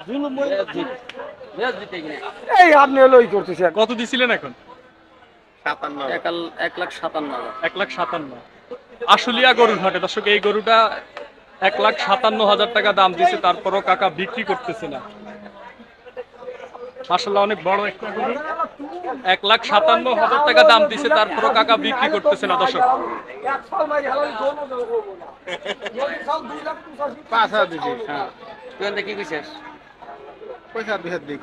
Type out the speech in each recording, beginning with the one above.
এই আপনি হলো ই করতেছেন। কত দিছিলেন এখন? 1,57,000। 1,57,000 আশুলিয়া গরুর হাটে দর্শক, এই গরুটা 1,57,000 টাকা দাম দিছে, তারপরও কাকা বিক্রি করতেছে না। মাশাআল্লাহ অনেক বড় একটা গরু, 1,57,000 টাকা দাম দিছে, তারপরও কাকা বিক্রি করতেছে না দর্শক। কি কইছিস? পয়সা 2,000 দিক।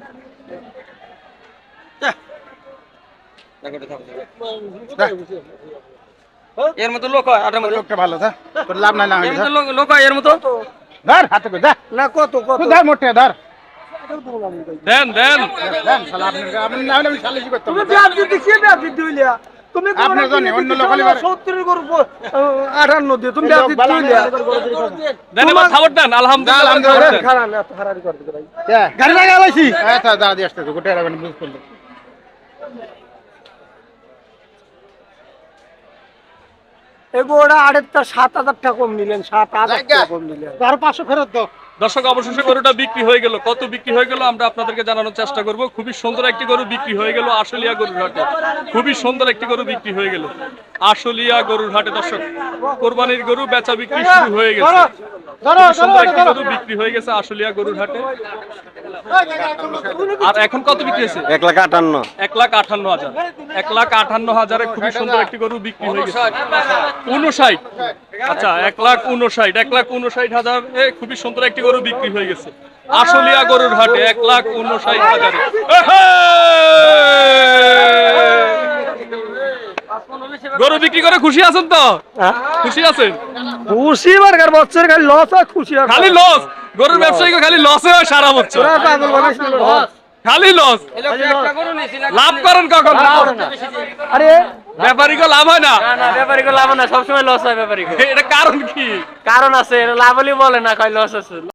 এর মতো লোক হয় আটার মতো লোকটা ভালো থা, তোর লাভ নাই না এর মতো লোক হয় এর মতো ধর হাতে করে দা না কত কত ধর মোটে ধর দেন দেন দেন শালা আপনি না হলে আমি সালিশি করতাম তুমি বিয়ার দিতে কি বিয়ার দিতে হইলা তুমি আপনার জন্য অন্য লোক হলে 70 এর গরু 58 দিয়ে তুমি বিয়ার দিতে হইলা দেন এবার খবর দেন। আলহামদুলিল্লাহ খারাপ না এত হারারি করতে ভাই গাড়ি লাগা লাইছি আচ্ছা দাঁড়া দিয়ে আসতে তো গোটা রাখবেন বুঝ করলে এগোড়া আড়েরটা 7,000 টাকা কম নিলেন, 7,000 টাকা কম নিলেন। আর 500 ফেরত দাও। দর্শক অবশেষে গরুটা বিক্রি হয়ে গেল। কত বিক্রি হয়ে গেল আমরা আপনাদেরকে জানানোর চেষ্টা করব। খুবই সুন্দর একটি গরু বিক্রি হয়ে গেল আশুলিয়া গরুর হাটে। খুবই সুন্দর একটি গরু বিক্রি হয়ে গেল আশুলিয়া গরুর হাটে দর্শক। কোরবানির গরু বেচা বিক্রি শুরু হয়ে গেছে। খুবই সুন্দর একটি গরু বিক্রি হয়ে গেছে আশুলিয়া গরুর হাটে। আর এখন কত বিক্রি হয়েছে? 1,58,000। 1,58,000। 1,58,000 খুবই সুন্দর একটি গরু বিক্রি হয়ে গেছে। 59। আচ্ছা 1,59,000। 1,59,000 এ খুবই সুন্দর একটি গরু বিক্রি হয়ে গেছে আশুলিয়া গরুর হাটে 1,59,000। গরু বিক্রি করে খুশি আছেন তো? খুশি আছেন? খুশি বারকার বছর খালি লস আর খুশি আর খালি লস। গরুর ব্যবসায়ীকে খালি লসে হয় সারা বছর, তোরা পাগল বানাইছিস লস। খালি লস। লাভ করেন কখন? আরে ব্যাপারীকে লাভ হয় না। না ব্যাপারীকে লাভ না, সবসময় লস হয় ব্যাপারীকে। এটা কারণ কি? কারণ আছে, লাভ হলেই বলে না, কয় লস আছে।